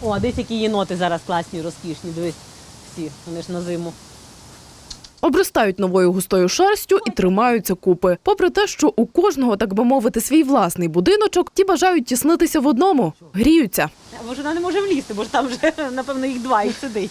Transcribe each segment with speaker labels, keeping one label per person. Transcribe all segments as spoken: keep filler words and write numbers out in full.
Speaker 1: О, а десь які єноти зараз класні, розкішні, дивись, всі, вони ж на зиму.
Speaker 2: Обростають новою густою шерстю і тримаються купи. Попри те, що у кожного, так би мовити, свій власний будиночок, ті бажають тіснитися в одному, гріються.
Speaker 1: Бо ж вона не може влізти, бо ж там вже, напевно, їх два і сидить.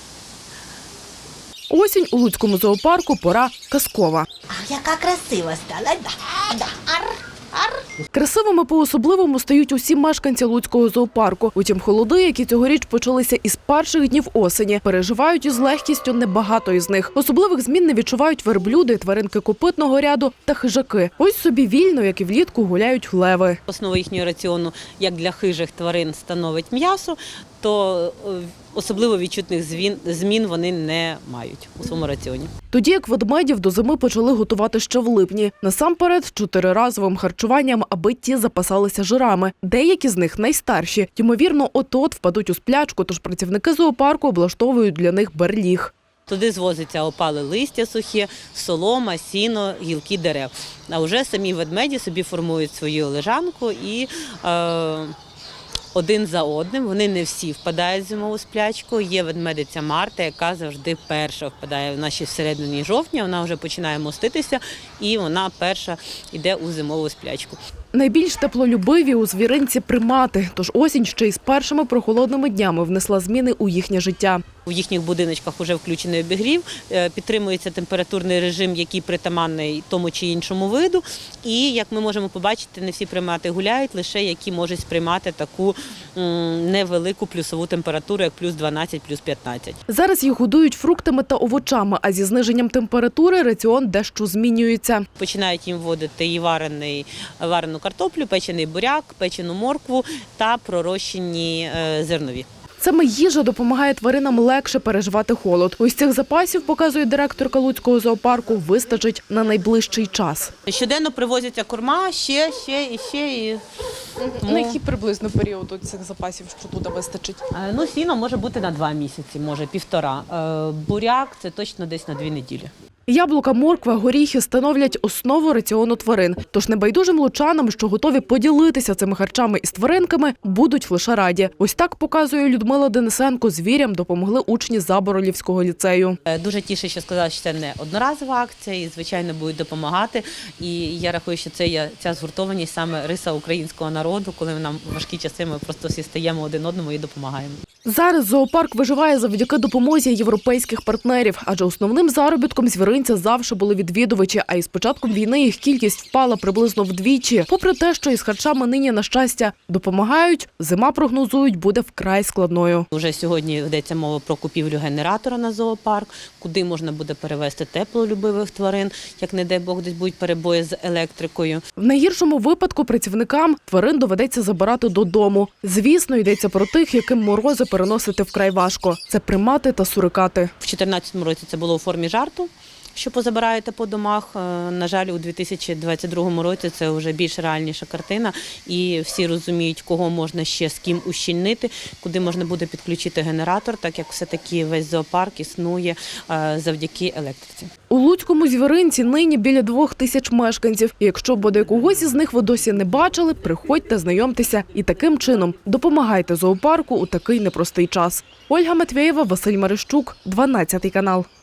Speaker 2: Осінь у Луцькому зоопарку пора казкова.
Speaker 3: А яка красива стала. Да, да. Ар, ар.
Speaker 2: Красивими по-особливому стають усі мешканці Луцького зоопарку. Утім, холоди, які цьогоріч почалися із перших днів осені, переживають із легкістю небагато із них. Особливих змін не відчувають верблюди, тваринки копитного ряду та хижаки. Ось собі вільно, як і влітку, гуляють леви.
Speaker 1: Основа їхнього раціону, як для хижих тварин, становить м'ясо, то особливо відчутних змін вони не мають у своєму раціоні.
Speaker 2: Тоді як ведмедів до зими почали готувати ще в липні. Насамперед, чотириразовим харчуванням, аби ті запасалися жирами. Деякі з них найстарші. Ймовірно, от-от впадуть у сплячку, тож працівники зоопарку облаштовують для них берліг.
Speaker 1: Туди звозиться опале листя сухе, солома, сіно, гілки дерев. А вже самі ведмеді собі формують свою лежанку і е, один за одним, вони не всі впадають в зимову сплячку. Є ведмедиця Марта, яка завжди перша впадає. Вона ще в середині жовтня, вона вже починає моститися і вона перша йде у зимову сплячку.
Speaker 2: Найбільш теплолюбиві у звіринці примати, тож осінь ще й з першими прохолодними днями внесла зміни у їхнє життя.
Speaker 1: У їхніх будиночках вже включений обігрів, підтримується температурний режим, який притаманний тому чи іншому виду. І, як ми можемо побачити, не всі примати гуляють, лише які можуть сприймати таку невелику плюсову температуру, як плюс дванадцять, плюс п'ятнадцять.
Speaker 2: Зараз їх годують фруктами та овочами, а зі зниженням температури раціон дещо змінюється.
Speaker 1: Починають їм вводити і варений, варену картоплю, печений буряк, печену моркву та пророщені зернові.
Speaker 2: Саме їжа допомагає тваринам легше переживати холод. Ось цих запасів, показує директорка Луцького зоопарку, вистачить на найближчий час.
Speaker 1: Щоденно привозяться корма, ще, ще і ще. І...
Speaker 2: На який приблизно період цих запасів, що туди вистачить?
Speaker 1: Ну, сіно може бути на два місяці, може півтора. Буряк – це точно десь на дві неділі.
Speaker 2: Яблука, морква, горіхи становлять основу раціону тварин. Тож небайдужим лучанам, що готові поділитися цими харчами із тваринками, будуть лише раді. Ось так, показує Людмила Денисенко, звірям допомогли учні Заборолівського ліцею.
Speaker 1: Дуже тішить, що сказала, що це не одноразова акція і, звичайно, будуть допомагати. І я рахую, що це є ця згуртованість саме риса українського народу, коли нам важкі часи, ми просто всі стаємо один одному і допомагаємо.
Speaker 2: Зараз зоопарк виживає завдяки допомозі європейських партнерів, адже основним заробітком звіринця завжди були відвідувачі, а із початком війни їх кількість впала приблизно вдвічі. Попри те, що із харчами нині, на щастя, допомагають, зима, прогнозують, буде вкрай складною.
Speaker 1: Уже сьогодні йдеться мова про купівлю генератора на зоопарк, куди можна буде перевезти теплолюбивих тварин, як, не дай Бог, десь будуть перебої з електрикою.
Speaker 2: В найгіршому випадку працівникам тварин доведеться забирати додому. Звісно, йдеться про тих, яким морози переносити вкрай важко. Це примати та сурикати.
Speaker 1: В дві тисячі чотирнадцятому році це було у формі жарту, що позабираєте по домах. На жаль, у дві тисячі двадцять другому році це вже більш реальніша картина. І всі розуміють, кого можна ще з ким ущільнити, куди можна буде підключити генератор, так як все-таки весь зоопарк існує завдяки електриці.
Speaker 2: У Луцькому звіринці нині біля двох тисяч мешканців. І якщо бодай когось із них ви досі не бачили, приходьте, знайомтеся і таким чином допомагайте зоопарку у такий непростий час. Ольга Матвєєва, Василь Марищук, дванадцятий канал.